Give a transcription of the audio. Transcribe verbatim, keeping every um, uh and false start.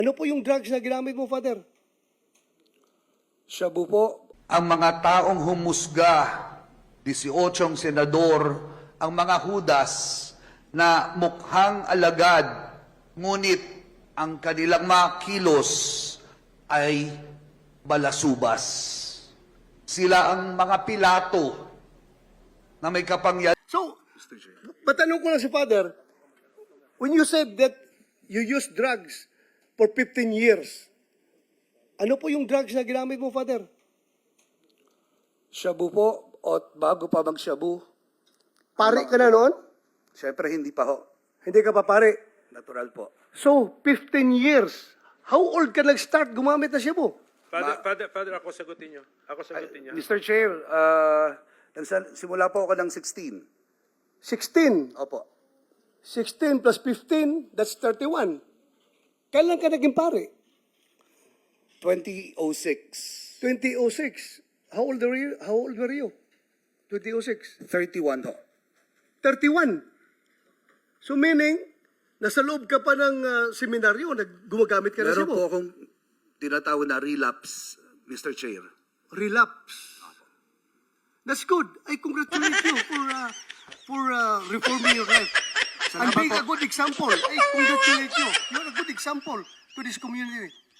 Ano po yung drugs na ginamit mo, Father? Shabu po. Ang mga taong humusga, disiotsyong senador, ang mga hudas na mukhang alagad, ngunit ang kanilang mga kilos ay balasubas. Sila ang mga Pilato na may kapangyarihan. So, matanong ko lang si Father, when you said that you used drugs for fifteen years, ano po yung drugs na ginamit mo, Father? Shabu po. O bago pa mag-shabu. Pare ka na noon? Siyempre, hindi pa ho. Hindi ka pa pare. Natural po. So, fifteen years. How old ka nag-start gumamit na siya po? Father, Father, Father, ako sagutin niyo. Ako sagutin niya. mister Chair, uh, nagsa- simula po ako ng sixteen. sixteen. Opo. sixteen plus fifteen, that's thirty-one. Kailan ka naging pare? twenty oh six. twenty oh six. How old were you? How old were you? twenty oh six. thirty-one ho. thirty-one. So meaning, nasa loob ka pa ng uh, seminaryo, nag- gumagamit ka na siya Meron po po. akong tinatawag na relapse, mister Chair. Relapse. That's good. I congratulate you for uh, for uh, reforming your life. And Salamat being po. a good example. I congratulate you. You're a good example to this community.